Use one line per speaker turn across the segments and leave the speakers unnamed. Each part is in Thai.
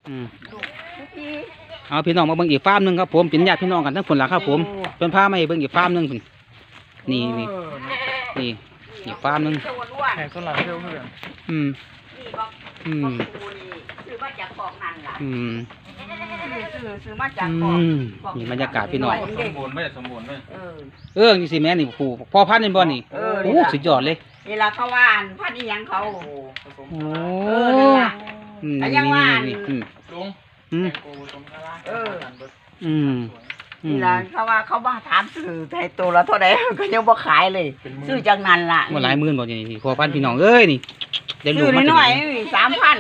เอาพี่น้องมาเบิ่งอีกฟาร์มนึงครับผมเป็นญาติพี่น้องกันทั้งคนละครับผมเป็นพามาให้เบิ่งอีกฟาร์มนึงนี่อีกฟาร์มนึง
แข่งสลับเที่ยวเพื่อน
ซื้อมาจากของนั่นล่ะซื้อมาจาก
นี่บรรยากาศพี่น้อง
สมบูรณ์ไหม
นี่สิแม่นี่ผู้พ่อพันธุ์นี่บ่นี่โอ้สุดยอดเลย
นี่ล่ะเขาว่านพันธุ์อีหยังเขา
โอ้
ยังว่าน
ลุง
นี่ล่ะเขาว่าเขามาถามซื้อแต่ตัวละเท่าใดก็ยังบ่ขายเลยซื้อจากนั้นล่ะ
บ่หลายหมื่นบ่นี่พ่อพันธุ์พี่น้องเอ้ยนี่
ซื้อน้อยๆ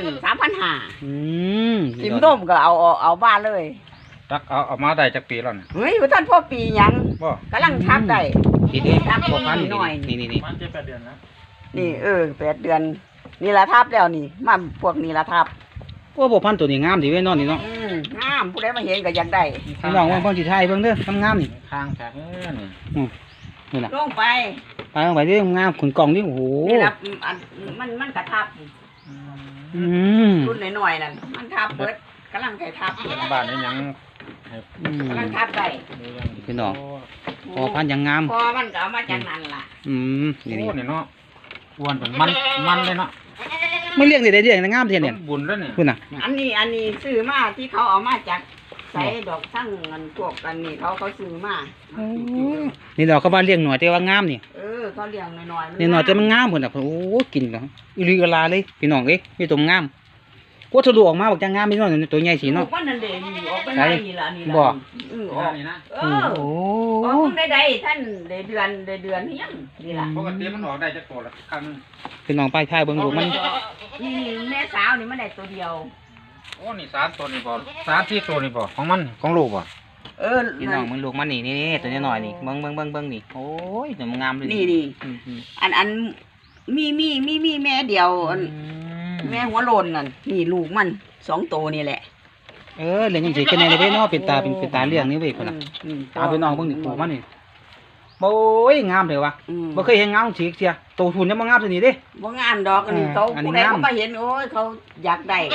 3,500สิมต้มก็เอาบ้านเลย
ตักเอามาได้จากปีแล้วนี่
เฮ้ยท่านพ่อปีหยังกำลังทับได้
ปีนี้พ่อพันธุ์นี่
มันจะ8 เดือนนะ
นี่8 เดือนนี่ละทับแล้วนี่มาพวกนี้ละทับ
โอ้พ่อพันธุ์ตัวนี้งามดีเว้ยนอนนี่เนาะ
งามผู้ใดมาเห็นก็อยากได้
พี่น้องว่าพ่อสิไทยเบิ่งเด้องามนี่
ข้างแขก
นี่ล่ะลงไป
เด้องามขุนกล่องนี่โอ้โห
นี่ล่ะมันกระทับรุ่นน้อยๆนั่นมันทับเบิดกำลังไก่ทับ
บ้านนี้ยัง
กำลังทับได้
พี่น้องพอพันยังงาม
พอมันก็เอามาจากนั้นล่ะ
นี่เนาะอ้วนเป็นมันเลยเนาะ
ไม่เลี้ยงได้เลี้ยงงามเท่เนี่ย
บุญแล้วเนี่ย
คุณน่ะ
อันนี้ซื้อมาที่เขาเอามาจากใส่ดอกทั้งเงินพวกกันนี่เขาซื้อมา
นี่ดอกเขาบ้านเลี้ยงหน่อยแต่ว่างามนี่
เขาเลี้ยงน้อย
ๆนี่หน่อยแต่มันงามพุ่นน่ะโอ้กินก็อีหลีกะลาเลยพี่น้องเอ้ยมีตัวงามกูทะลุออกมาบอกจะงามพี่น้องตัวใหญ่สิเนาะ
ว่านั่นเด้ออกไปไหนนี่ล่ะนี่
บ่
นี่นะ
โอ้ได้ท่านได้เดือนเฮียงนี่ล่ะ
ปกติมันออกได้จักตัวละครั้งนึง
พี่น้องไปถ่ายเบิ่งลูกมัน
นี่แม่สาวนี่มันได้ตัวเดียว
โอ้นี่3 ตัวนี่บ่3-4 ตัวนี่บ่ของมันของลูกบ่
พี่น้องมึงลูกมันนี่ตัวน้อยๆนี่เบิ่งนี่โอ้ยตัวงามเลย
นี่อันมีแม่เดียวแม่หัวโลนนั่นนี่ลูกมัน2 ตัวนี่แหละ
เลี้ยงจังซี่กันแน่เลยเนาะเป็นตาเลี้ยงนี่เว้ยพุ่นน่ะตาพี่น้องเบิ่งนี่ผูมันนี่โอ้ยงามเลยวะบ่เคยเห็นงามสีเสียโตทุนยังบ่งามตัวนี้เด้
บ่งามดอกอันนี้เขาผู้ใดเขามาเห็นโอ้ยเขาอยากได้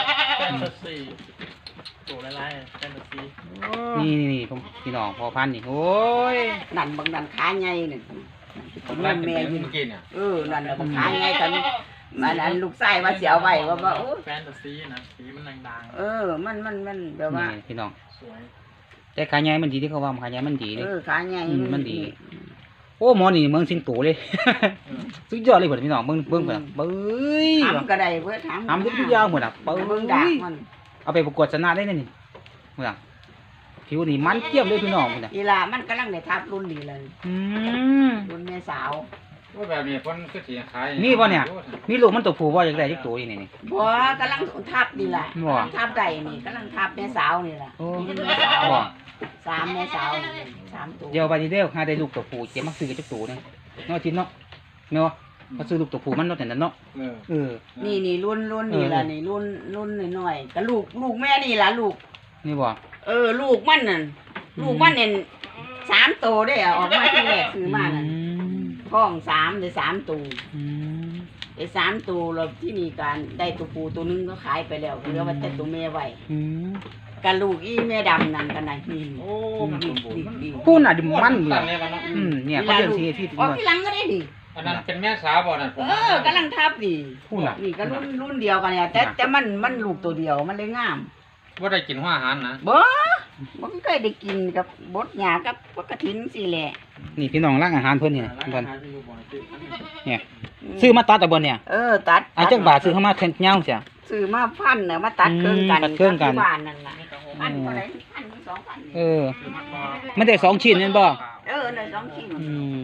ตัวหลายๆแฟนตาซี
นี่พี่น้องพอพันนี่โอ้ย
นั่นบางนั่นขาใหญ่นี่
แม่อยู่กินเนี่ย
นั่นบางขาใหญ่กันมันลูกไส้มาเสียวไว้ว่าโอ้
แฟนตาซีนะสีมันดัง
มันแบบว่า
พี่น้องสวยแต่ขาใหญ่มันดีที่เขาว่าขาใหญ่มันดีเลย
ขาใหญ่
มันดีโอ้หมอนี่เมืองสิงโตเลยสุดยอดเลยพี่น้องเบิ่งเบิ่งเบ้ย
ทำก็ได้เพื่อ
ทำทุกอย่างหมดอ่ะ
เบิ่งดักมัน
เอาไปประกวดชนะได้นี่เมื่อผิวนี่มันเทียมเลยพี่น้อง
นี่ล่ะมันกำลังได้ทับรุ่นนี้เลยรุ่นแม่สาว
ว่าแบบนี้คนคือสิขาย
มีบ่เนี่ยมีลูกมันตัวผู้บ่อยากได้จักตัวนี่
บ่กำลังทับนี่แหละทับได้นี่กำลังทับแม่สาวนี่ล่ะแม่สาว3 แม่สาว3 ตัว
เดี๋ยวไปนี่เด้อหาได้ลูกตัวผู้เจ็บมักซื้อจักตัวนึงเนาะจินเนาะแม่ว่าเขาซื้อลูกตัวผู้มันรถแต่นั้นเนาะ
นี่รุ่นนี่ล่ะนี่รุ่นน้อยๆก็ลูกแม่นี่ล่ะลูก
นี่บ่
ลูกมันนั่นลูกมันเนี่ย3 ตัวได้ออกมาที่แรกซื้อมานั่นท้อง3ได้3 ตัวได้3 ตัวแล้วที่นี่การได้ตัวผู้ตัวนึงก็ขายไปแล้วเหลือไว้แต่ตัวแม่ไว้กันลูกอีแม่ดำนั่นกันไหนนี่
โอ้มันสมบูรณ์
ผู้น่ะดิมันเนี่ยเขาเลี้ยงสีที่
ที่หลังก็ได้ดิ
อันนั้นเป็นแม่สาวบ่นั่น
กำลังทับดิผู้น่ะนี่ก็รุ่นเดียวกันเนี่ยแต่มันลูกตัวเดียวมันเลยงาม
ว่าได้กินหัวอาหารนะ
บ่เคยได้กินกับบดหญ้ากับกระถินสิแหละ
นี่พี่น้องร้านอาหารเพิ่นเนี่ยเพิ่นเนี่ยซื้อมาตัดตะบนเนี่ย
ตัด
จักบาทซื้อเข้ามาแทนเงาเสีย
ซื้อมาพันน่ะมาตัดเครื่องกันบ้านนั่นน่ะพันเท่าไหร่พัน2,000
มันได้2 ชิ้นนั่นบ่
ได้2 ชิ้น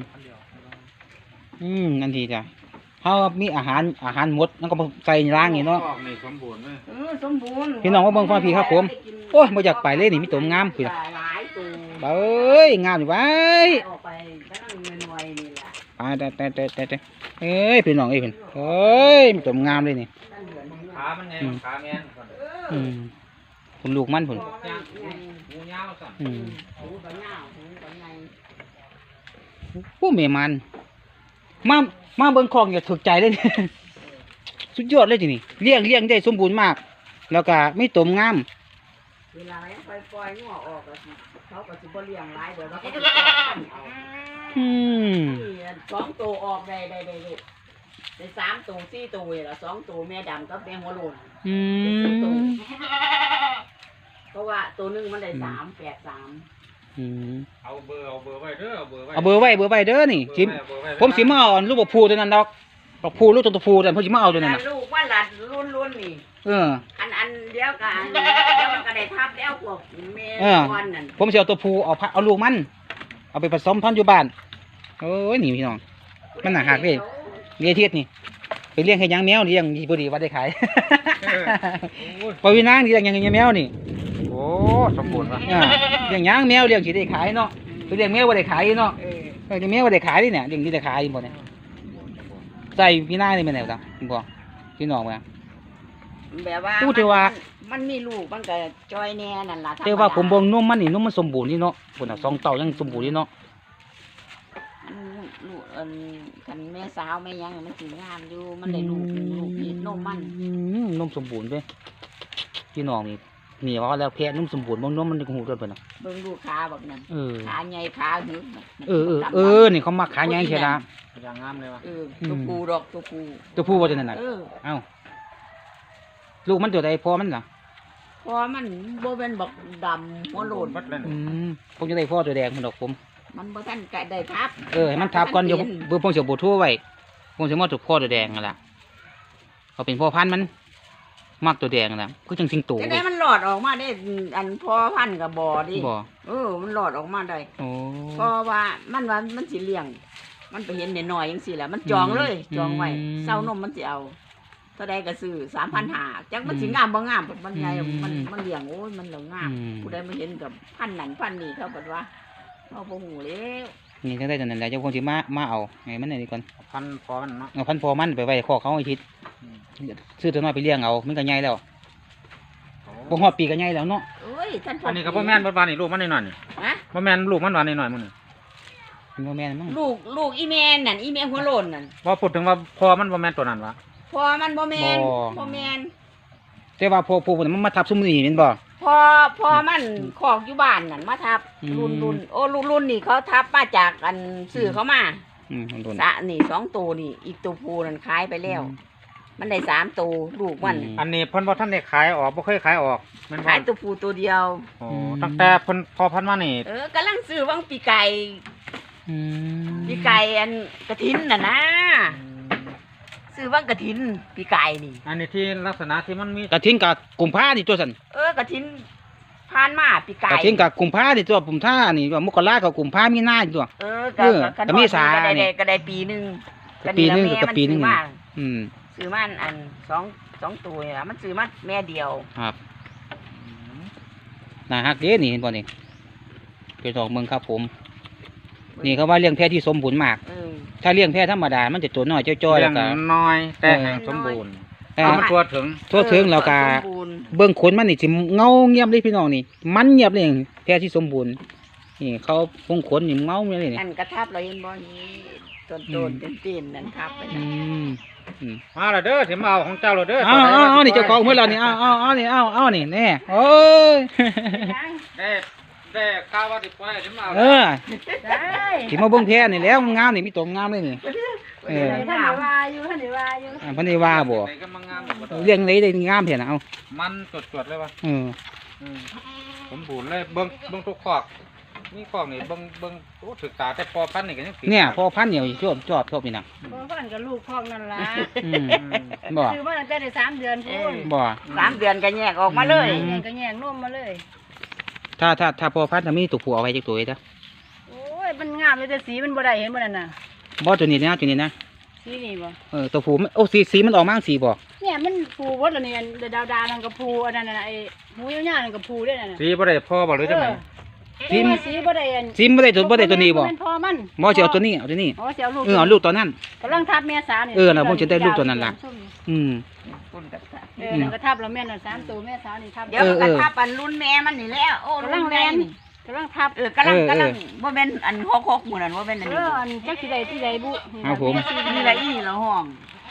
นั่นดีจ้ะเฮามีอาหารหมดแล้วก็ใส่ล้างนี่เนาะ
สมบูรณ์เลย
สมบูรณ์
พี่น้องว่าเบิ่งฟังพี่ครับผมโอ้ยบ่อยากไปเลยนี่มีตัวงามพี่ล่ะเอ้ยงามอยู่ไว้
ออกไปกำลังน้อยๆนี่ล่ะ
แต่เอ้ยพี่น้องเอ้ยเพิ่นเอ้ยมีตัวงามเลยนี่
ขามันแน่ขาแม่น
ผมลูกมันพุ่น
หูยาวสั่น
หูก็ยาวหูก็ใหญ่
ผู้แม่มันมาเบิ่งของอย่าถูกใจเลยสุดยอดเลยทีนี่เลี้ยงได้สมบูรณ์มากแล้วก็มีตุ่มงาม
เวลายังปล่อยงัวออกก็สิเขาก็สิบ่เลี้ยงหลายเดี๋ยวเขาก็สิปล่อยพันธุ์เอา
อืม
นี่2ตัวออกได้ลูกได้3ตัว4ตัวนี่ล่ะ2ตัวแม่ดำกับแม่หัวโลน
อืม
เพราะว่าตัวหนึงมันได้383
อืม
เอาเบอร์ไว้เด้อเอาเบอร์ไว้
เอาเบอร์ไว้เด้อนี่สิ
เบอร์ไว้
ผมสิมาเอาลูกบักพูตัวนั้นดอกบักพูลูกตัวพูแต่ผมสิมาเอาตัวนั้นน่ะ
ลูกว่าหลานรุ่นนี่
เออ
อันเดียวกันเดี๋ยวมันก็ได้ทับแล้วพวกแม่
เออ
ก้อนนั่น
ผมสิเอาตัวพูเอาลูกมัน เอาไปผสมพันธุ์อยู่บ้านโอ้ยนี่พี่น้อง มันน่าหักเด้ เลี้ยงเทียดนี่ไปเลี้ยงให้ยังแมวเลี้ยงดีพอดีว่าได้ขาย ปวินางเลี้ยงยังแมวนี่
โอ้สมบูรณ์ว่ะ
อ่าเลี้ยงยังแมวเลี้ยงสิได้ขายเนาะไปเลี้ยงแมวบ่ได้ขายเนาะ
เออ
เลี้ยงแมวบ่ได้ขายนี่เนี่ยเลี้ยงที่ได้ขายบ่เนี่ยใส่พี่นางนี่แม่นแล้วจ้ะบ่พี่น้องบ่
แบบว่า
พูดแต่ว่า
มันมีลูกมันก็จอยแน่นั่นล่ะ
แต่ว่าผมเบิ่งนมมันนี่นมมันสมบูรณ์นี่เนาะพุ่นน่ะ2เต้ายังสมบูรณ์นี่เนาะ
ลูกคันแม่สาวแม่ยังมันสิงามอยู่มันได้ลูกนี่นมมัน
นมสมบูรณ์เด้พี่น้องนี่ว่าแล้วแพะนมสมบูรณ์บ่นมมันหูด้วยเพิ่นน่ะ
เบิ่งลูกขาแบบนั้น
เออ
ขาใหญ่ขาหึก
นี่เขามักขายใหญ่เชียวละ
อย่างงามเลยว่ะ
ตัวปูดอกตัวปู
ตัวผู้ว่าจะนั่นน่ะ เอ้าลูกมันตัวใดพอมันล่ะ
เพราะมันบ่เป็นบักดำหัวโลน
บัดเลย
ผมจะได้พ่อตัวแดงมันดอกผม
มันบ่ทันกะได้ทับ
ให้มันทับก่อนเดี๋ยวเบอร์ผมจะบูทั่วไว้ผมจะมาตัวพ่อตัวแดงนั่นล่ะเขาเป็นพ่อพันธุ์มันมักตัวแดงนั่นล่ะคือจังสิงโต
จะได้มันหลอดออกมาได้อันพอพันกับบ่อดิ
บ่
มันหลอดออกมาได้
โอ้
เพราะว่ามันสิเลี้ยง มันไปเห็นน้อยๆจังซี่แหละมันจองเลยจองไว้เซานมมันสิเอาเท่าใดก็ซื้อ 3,500จักมันสิงามบ่งามมันใหญ่มันเลี้ยงโอ้ยมันเหลืองงามผู้ใดมาเห็นกับพันนั้นพันนี้เขาบอกว่าเอาบ่ฮู้แล้ว
นี่จังได้ตัวนั้นแหละเจ้าคงสิมาเอาให้มันนี่ก่อน
พันพอมันเนาะ
เอาพันธุ์พ่อมันไปไว้คอกเขาให้ทิศซื้อตัวน้อยไปเลี้ยงเอามันก็ใหญ่แล้วบ่ฮอดปีก็ใหญ่แล้วเนาะ
เอ้ยท่าน
อันนี้ก็บ่แม่นบ่วานนี่ลูกมันน้อยๆนี่
ฮะ
บ่แม่นลูกมันหวานน้อยๆมื้อนี่
เป็นบ่แม่นมั้ง
ลูกอีแม่นั่นอีแม่หัวโลนนั่น
ว่าพูดถึงว่าพอมันบ่แม่นตัวนั้นวะ
พอมันบ่แม่นบ่แม่น
แต่ว่าพวกมันมาทับซุมนี่แม่นบ่
พอมันขอกอยู่บ้านนั่นมาทับ
อืม
รุ่นนี่เขาทับมาจากอันซื้อเขามา
มันโดน
สะนี่2ตัวนี่อีกตัวผู้นั่นขายไปแล้ว มันได้3ตัวลูกมัน
อันนี้เพิ่นบ่ทันได้ขายออกบ่เคยขายออกแม่นบ่
ขายตัวผู้ตัวเดียว
โอ้ตั้งแต่เพิ่นพอพันมานี่
กำลังซื้อวังปีไก่อันกระถินน่ะนะซื้อวังกระถินปีไก่นี่
อันนี้ที่ลักษณะที่มันมี
กระทิงกับกุมภานี่ตัวสั่น
กระถินผ่านมาปีไก่
กระทิงกับกุมภานี่ตัวปุ่มท่านี่ว่ามกรากับกุมภามีนานี่ตัว ก็มีสา
ก็ได้ปีหนึง
ปีหนึงกับปีหนึง
ซื้อมา
อืม
ซื้อมาอันสองตัวนี่ล่ะมันซื้อมาแม่เดียว
ครับน่าฮักเด้นี่เห็นบ่นี่เป็นดอกเมืองครับผม นี่เขาว่าเลี้ยงแพะที่สมบูรณ์มาก ถ้าเลี้ยงแพะธรรมดามันจะตัวน้อยจ้อยๆ
เลี้
แล้
ยว ง
ก็
น้อยแต่ให้สมบูรณ์
แต่
เอามันทั่วถึง
ทั่วถึงแล้วก็
สมบูรณ์
เบื้องขนมันนี่สิเงาเงียบเลยพี่น้องนี่ มันเงียบเลยแพะที่สมบูรณ์นี่เขาพงขนนี่เงาเงียบเลยนี่
อันกระทับเราเห็นบ่นี่ต้นๆตีนๆนั่นทับไป
อื
นั่น
ม
มาและเด้อสิมาเอาของเจ้าและเด้อ
เอานี่เจ้าของเมื่อเรานี่เอานี่เอานี่แน่โอ้ย
ได้ข้าวว่าสิปล่อยสิมาเอา
ได้
ที่มาเบิ่งแพะนี่แล้วงามนี่มีตัวงามเลยนี่
ท่านได้ว่าอยู่
พันธุ์ว่าบ่
ได้ก็มางามหมด
เลี้ยงได้งามเพียนะเอา
มันจดๆเลยวะ
เออ
สมบูรณ์เลยเบิ่งทุกคอกนี่คอกนี่เบิ่งโอ้ศึกษาแต่พอพันนี่ก็ยัง
เนี่ยพอพันธุ์เนี่ยชอบนี่นะ
พ่อพันกับลูกพ่องนั่นล่ะ
บ่
คือว่าตั้งแต่ได้3 เดือนพูน
บ่
3 เดือนก็แยกออกมาเลย
แย่งก็แย่งนมมาเลย
ถ้าพอพันธุ์ถ้ามีตัวผู้เอาไว้จักตัวเด้อ
โอ้ยมันงามเลยแต่สีมันบ่ได้เห็นบ่นั่นน่ะ
บ่ตัวนี้นะ
สีนี่บ่
ตัวผู้โอ้สีมันออกมาสีบ่
เนี่ยมันผูวดแล้วนี่ดาวๆนั่นก็ผูอันนั้นน่ะไอ้หูยาวๆนั่นก็ผูด้วยนั่นน่ะ
สีบ่ได้พอบ่หรือจังได๋
สีสีบ่ได้อัน
สีบ่ได้ตัวนี้บ่
มันพ่อมัน
บ่สิเอาตัวนี้
อ๋อสิเอาลูก
เอาลูกตัวนั้น
กำลังทับแม่สาวนี่
น่ะผมจะได้ลูกตัวนั้นล่ะ อืม
นั่นก็ทับแล้วแม่น่ะ3 ตัวแม่สาวนี่ทับ
เดี๋ยวกระทับอันรุ่นแม่มันนี่แล้วโอ้รุ่นแม่นี่
กำลังทับ
กำลังบ่แม่นอัน6หมู่นั่นบ่แม่นอันนี้
อันจักสิได้ที่ใดบุ
ครับผม
นี่ละอีละห้อง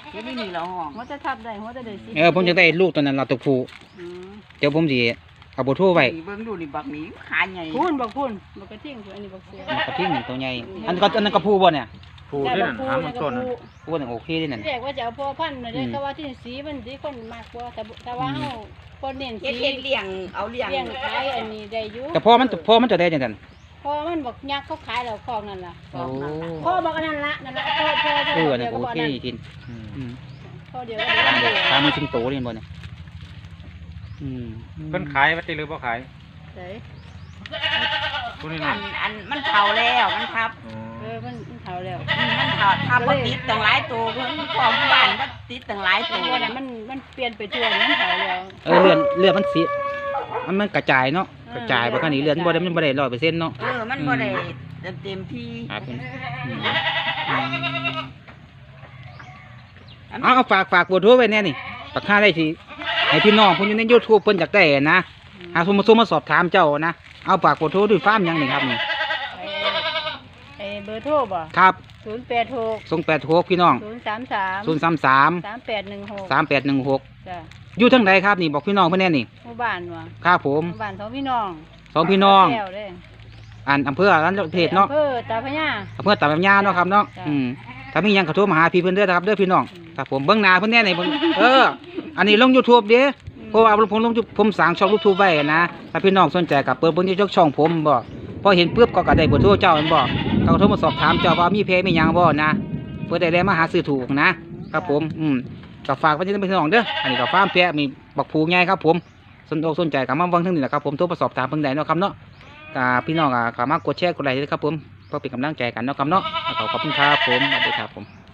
เฮ็ดนี่เราห้อง
หัวจะทับได้หัวจะได้สิ
ผมจะได้ลูกตัวนั้นเราตัวผู้
อืม
เดี๋ยวผมสิเอาเบอร์โทรไว้
นี่เบิ่งดูนี่บักนี้ขาใหญ่
พูนบักกระทิ่งอันนี้บักเสือ
มันกระทิ่งตัวใหญ่อันนั้นก็ผู้บ่เนี่ย
ผูด้วยนั่นหามันต้นนั่น
ผู้นั่นโอเคเด้นั่น
เรียกว่าจะเอาพ่อพันธุ์น่ะเด้แต่ว่าที่สีมันสีคนมากกว่าแต่ว่าเฮาคนเน้น
เฮ็
สี
ดเลี้ยงเอาเลี้ยง
เลี้ยงขายอันนี้ได้อยู่
แต่พอมันจะได้จังซั่น
พอมันบอกยักษ์เขาขายแล้วคอกนั่นล่ะ
โอ้
พ่อบอกอันนั้นละนั่นละพ่อ
อัน
เดี
นั้
ยวน ก็
โอ
บอก
เค
นั่น
กิน
อืม
อืม
พ่อเดียวก็บอกนั่น
ตามมันสิงโตเรียนบ่เนี่ยอืม
เพิ่นขายวัตถุหรือบ่ขาย
เด้ย
ผู้นี้
อั
นั่น
นมันเฒ่าแล้วมันทับ
อ๋อ
มันเฒ่าแล้ว
มันเฒ่าทับบ่ติดตั้งหลายตัวเพิ่นของบ้านบ่ติดตั้งหลายตัว
ตัวนั้นมันเปลี่ยนไปทั่วมันเฒ่าแล้ว
เลือดมันสิมันกระจายเนาะกระจายบ่คันนี้เลือดมันบ่ได้100%เนาะ
มันบ่ได้เต็มที่
ครับผมเอาฝากเบอร์โทรไว้แน่นี่ปักค่าได้สิให้พี่น้องเพิ่นอยู่ใน YouTube เพิ่นอยากได้นะหาโทรมาสอบถามเจ้านะเอาฝากเบอร์โทรด้วยฟาร์มหยังนี่ครับนี่
ไอ้เบอร์โทรบ่
ครับ
086
286พี่น้อง
033
033
3816
3816
จ้ะ
อยู่ทางใดครับนี่บอกพี่น้องเพิ่นแน่นี่
หมู่บ้านว่ะ
ครับผม
หมู่บ้านสองพี่น้อง
สองพี่น้อง
แก้วเด้
อำเภอร้านเพจเนาะ
อำเภอตาพญา
อำเภอตาดำยาเนาะครับเนาะ
จ้ะ
ถ้ามีหยังก็โทรมาหาพี่เพิ่นเด้อนะครับเด้อพี่น้อง
อืม
ครับผมเบิ่งหน้าเพิ่นแน่นี่เบิ่งอันนี้ลง YouTube เด้เพราะว่าผมสร้างช่อง YouTube ไว้นะถ้าพี่น้องสนใจก็เปิดเบิ่งอยู่ช่องผมบ่พอเห็นปุ๊บก็ได้เบอร์โทรเจ้าแม่นบ่ก็โทรมาสอบถามเจ้าว่ามีเพจมีหยังบ่นะเพื่อได้มาหาซื้อถูกนะครับผมก็ฝากไว้ที่พี่น้องเด้ออันนี้ก็ฟาร์มแพะมีบักผูใหญ่ครับผมสนใจก็มาเบิ่งทางนี้แหละครับผมโทรมาสอบถามเพิ่นได้เนาะครับเนาะก็พี่น้องก็สามารถกดแชร์กดไลค์ได้ครับผมเพื่อเป็นกำลังใจกันเนาะครับเนาะขอบคุณครับผมสวัสดีครับผม